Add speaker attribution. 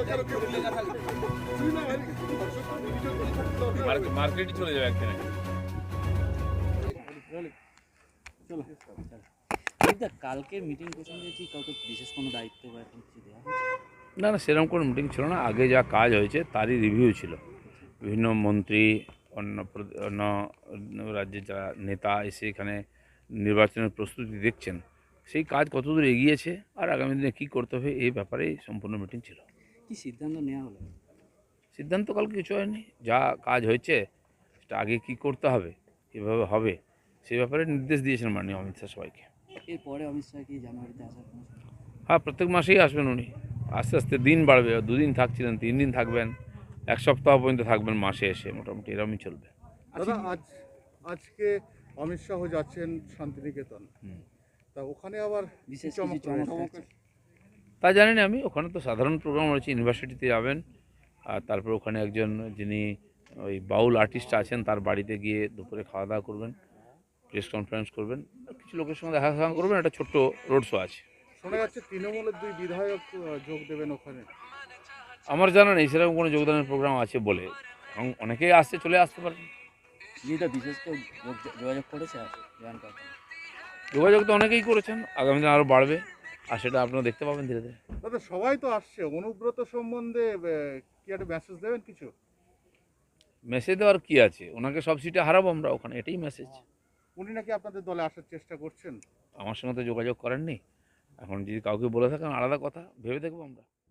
Speaker 1: মার্কেটে চলে যাবে একদিন আগে।
Speaker 2: কালকে মিটিং প্রসঙ্গে কি কাউকে বিশেষ কোনো দায়িত্ব বা এরকম কিছু দেওয়া হয়েছে?
Speaker 1: না না, সেরকম কোনো মিটিং ছিল না। আগে যা কাজ হয়েছে তারই রিভিউ ছিল। বিভিন্ন মন্ত্রী, অন্য রাজ্যের যারা নেতা এসে এখানে নির্বাচনের প্রস্তুতি দেখছেন, সেই কাজ কতদূর এগিয়েছে আর আগামী দিনে কী করতে হবে এই ব্যাপারেই সম্পূর্ণ মিটিং ছিল।
Speaker 2: কি সিদ্ধান্ত নেওয়া হলো?
Speaker 1: সিদ্ধান্ত কালকে কিছু হয়নি। যা কাজ হয়েছে সেটা আগে কী করতে হবে, কীভাবে হবে, সেই ব্যাপারে নির্দেশ দিয়েছেন মাননীয় অমিত শাহ সবাইকে।
Speaker 2: এরপরে অমিত শাহ কি জানুয়ারিতে আসার কোনো?
Speaker 1: হ্যাঁ, প্রত্যেক মাসেই আসবেন উনি। আস্তে আস্তে দিন বাড়বে, 2 দিন থাকছিলেন, 3 দিন থাকবেন, 1 সপ্তাহ পর্যন্ত থাকবেন, মাসে এসে মোটামুটি এরকমই চলবে।
Speaker 3: দাদা আজকে অমিত শাহ যাচ্ছেন শান্তিনিকেতন, তা ওখানে আবার
Speaker 2: বিশেষ
Speaker 3: চমক
Speaker 2: কিছু চমক
Speaker 3: রয়েছে?
Speaker 2: থাকছে?
Speaker 1: তা জানি না আমি। ওখানে তো সাধারণ প্রোগ্রাম রয়েছে, ইউনিভার্সিটিতে যাবেন, আর তারপর ওখানে একজন যিনি ওই বাউল আর্টিস্ট আছেন তার বাড়িতে গিয়ে দুপুরে খাওয়া দাওয়া করবেন, প্রেস কনফারেন্স করবেন, আর কিছু লোকের সঙ্গে দেখা সাক্ষাৎ করবেন, একটা ছোট্ট রোড শো আছে।
Speaker 3: শোনা যাচ্ছে তৃণমূলের 2 বিধায়ক যোগ দেবেন ওখানে।
Speaker 1: আমার জানা নেই সেরকম কোনো যোগদানের প্রোগ্রাম আছে বলে, এবং অনেকেই আসছে, চলে আসতে পারেন।
Speaker 2: যেটা বিশেষ কেউ যোগাযোগ করেছে আর জয়েন করতে?
Speaker 1: যোগাযোগ তো অনেকেই করেছেন, আগামী দিন আরও বাড়বে, আর সেটা আপনারা দেখতে পাবেন ধীরে ধীরে।
Speaker 3: দাদা সবাই তো আসছে, অনুব্রত সম্বন্ধে কি একটা মেসেজ দেবেন কিছু?
Speaker 1: মেসেজ দেওয়ার কী আছে, ওনাকে সব সিটে হারাবো আমরা ওখানে, এটাই মেসেজ।
Speaker 3: উনি নাকি আপনাদের দলে আসার চেষ্টা করছেন।
Speaker 1: আমার সঙ্গে তো যোগাযোগ করেননি, এখন যদি কাউকে বলে থাকেন আলাদা কথা, ভেবে দেখবো আমরা।